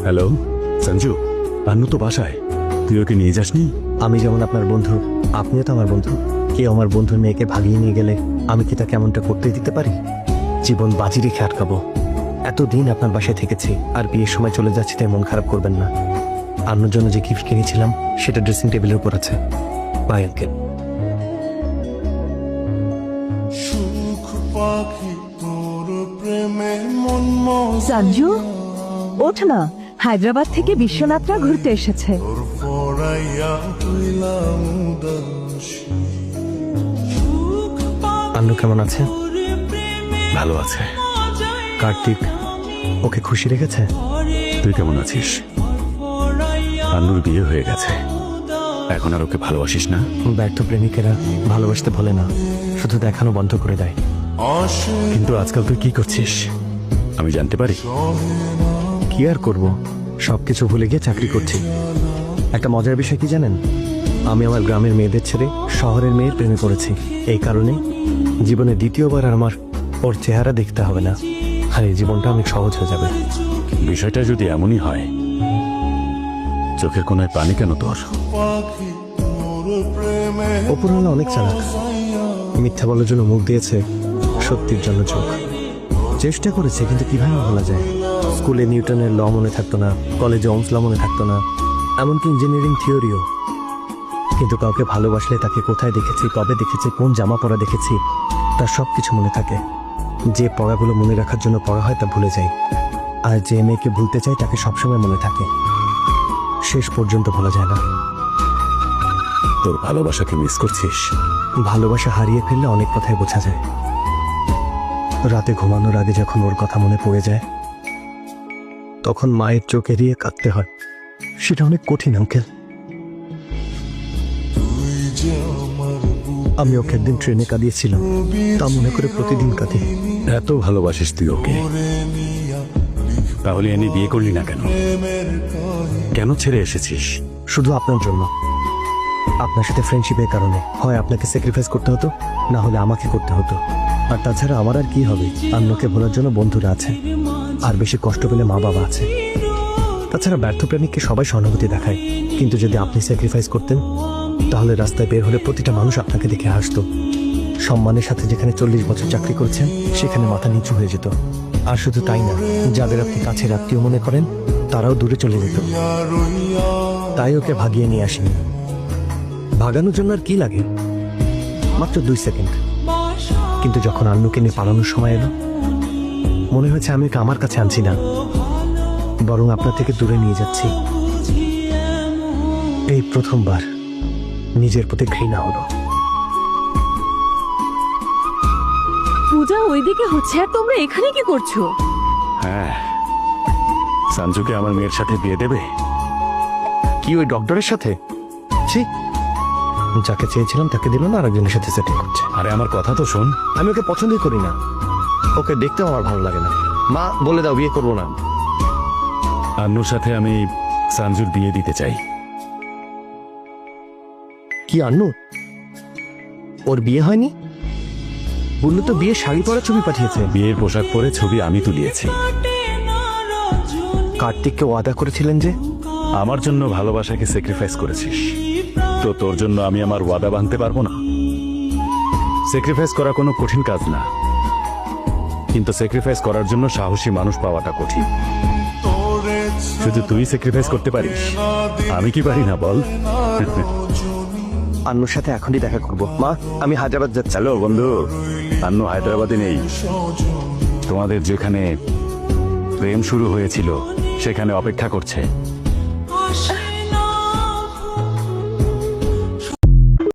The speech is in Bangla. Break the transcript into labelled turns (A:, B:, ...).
A: হ্যালো সঞ্জু, আন্নু তো বাসায়, তুই ওকে নিয়ে যাসনি?
B: আমি যেমন আপনার বন্ধু, আপনিও তো আমার বন্ধু। কেউ আমার বন্ধুর মেয়েকে ভাগিয়ে নিয়ে গেলে আমি কি তাকে এমনটা করতে দিতে পারি? জীবন বাজি রেখে আটকাবো? এতদিন আপনার বাসায় থেকেছি, আর বিয়ের সময় চলে যাচ্ছি তাই মন খারাপ করবেন না। আন্নুর জন্য যে গিফট কিনেছিলাম সেটা ড্রেসিং টেবিলের উপর আছে। Bye uncle.
C: সঞ্জু, ওঠ না, হায়দ্রাবাদ থেকে বিশ্বনাথরা ঘুরতে এসেছে।
B: আন্নু কেমন আছে?
A: ভালো আছে।
B: কার্তিক ওকে খুশি রেখেছে?
A: তুই কেমন আছিস? আন্নুর বিয়ে হয়ে গেছে, এখন আর ওকে ভালোবাসিস না?
B: ব্যর্থ প্রেমিকেরা ভালোবাসতে ভোলে না, শুধু দেখানো বন্ধ করে দেয়।
A: কিন্তু আজকাল তুই কি করছিস আমি জানতে পারি?
B: কি আর করব, সবকিছু ভুলে গিয়ে চাকরি করছি। একটা মজার বিষয় কি জানেন? আমি আমার গ্রামের মেয়েদের ছেড়ে শহরের মেয়ের প্রেমে পড়েছি। এই কারণে জীবনে দ্বিতীয়বার আর আমার ওর চেহারা দেখতে হবে না, আর এই জীবনটা অনেক সহজ হয়ে যাবে।
A: বিষয়টা যদি এমনই হয়, চোখের কোনায় পানি কেন তোর?
B: অপূর্ণা অনেক চালাক, মিথ্যা বলার জন্য মুখ দিয়েছে, সত্যির জন্য চোখ। চেষ্টা করেছে, কিন্তু কিভাবে বলা যায়? স্কুলে নিউটনের ল মনে থাকতো না, কলেজে ওমস ল মনে থাকতো না, এমনকি ইঞ্জিনিয়ারিং থিওরিও। কিন্তু কাউকে ভালোবাসলে তাকে কোথায় দেখেছি, কবে দেখেছি, কোন জামা পরা দেখেছি, তার সব কিছু মনে থাকে। যে পড়াগুলো মনে রাখার জন্য পড়া হয় তা ভুলে যায়, আর যে মেয়েকে ভুলতে চায় তাকে সবসময় মনে থাকে, শেষ পর্যন্ত ভোলা যায় না।
A: তোর ভালোবাসাকে মিস করছিস?
B: ভালোবাসা হারিয়ে ফেললে অনেক কথাই বোঝা যায়। রাতে ঘুমানোর আগে যখন ওর কথা মনে পড়ে যায়, তখন মায়ের চোখ এড়িয়ে কাঁদতে হয়। সেটা অনেক কঠিন আঙ্কেল। আমি ওকে একদিন ট্রেনে কাঁদিয়েছিলাম, তা মনে করে প্রতিদিন কাঁদি।
A: এত ভালোবাসিস তুই ওকে, তাহলে এনে বিয়ে করলি না কেন? কেন ছেড়ে এসেছিস?
B: শুধু আপনার জন্য, আপনার সাথে ফ্রেন্ডশিপের কারণে। হয় আপনাকে স্যাক্রিফাইস করতে হতো, না হলে আমাকে করতে হতো। আর তাছাড়া আমার আর কি হবে? আন্নুকে ভোলার জন্য বন্ধুরা আছে, আর বেশি কষ্ট পেলে মা বাবা আছে। তাছাড়া ব্যর্থ প্রেমিককে সবাই সহানুভূতি দেখায়, কিন্তু যদি আপনি স্যাক্রিফাইস করতেন, তাহলে রাস্তায় বের হলে প্রতিটা মানুষ আপনাকে দেখে হাসতো। সম্মানের সাথে যেখানে 40 বছর চাকরি করছেন, সেখানে মাথা নিচু হয়ে যেত। আর শুধু তাই না, যাদের আপনি কাছের আত্মীয় মনে করেন তারাও দূরে চলে যেত। তাই ওকে ভাগিয়ে নিয়ে আসেনি। ভাগানোর জন্য আর কি লাগে? মাত্র 2 সেকেন্ড। কিন্তু যখন আন্নুকে নিয়ে পালানোর সময় এলো, মনে হয়েছে আমি ওকে আমার কাছে আনছি না, বরং আপনার থেকে দূরে নিয়ে যাচ্ছি। এই প্রথমবার নিজের প্রতি ঘৃণা হলো।
C: পূজা ওইদিকে হচ্ছে, আর তোমরা এখানে কি করছো?
A: হ্যাঁ, সঞ্জুকে আমার মেয়ের সাথে বিয়ে দেবে?
B: কি ওই ডক্টরের সাথে? ছি, যাকে চেয়েছিলাম তাকে দিল না, আরেকজনের সাথে সেটিং করছে।
A: আরে আমার কথা তো শোন।
B: আমি ওকে পছন্দই করি না, ওকে দেখতেও আমার ভালো লাগে না। মা বলে দাও বিয়ে করবো না।
A: আন্নুর সাথে আমি সঞ্জুর বিয়ে দিতে চাই।
B: কি আন্নু? ওর বিয়ে হয়নি? বললো তো বিয়ে শাড়ি পরা ছবি পাঠিয়েছে।
A: বিয়ের পোশাক পরে ছবি আমি তুলিয়েছি।
B: কার্তিককে ওয়াদা করেছিলেন যে?
A: আমার জন্য ভালোবাসাকে স্যাক্রিফাইস করেছিস, তো তোর জন্য আমি আমার ওয়াদা ভাঙতে পারবো না? স্যাক্রিফাইস করা কোনো কঠিন কাজ না, কিন্তু স্যাক্রিফাইস করার জন্য সাহসী মানুষ পাওয়াটা কঠিন। শুধু তুই স্যাক্রিফাইস করতে পারিস, আমি কি পারি না বল?
B: আন্নুর সাথে এখনই দেখা করব। মা, আমি হায়দ্রাবাদ যাচ্ছি।
A: হ্যালো বন্ধু, আন্নু হায়দ্রাবাদে নেই। তোমাদের যেখানে প্রেম শুরু হয়েছিল সেখানে অপেক্ষা করছে।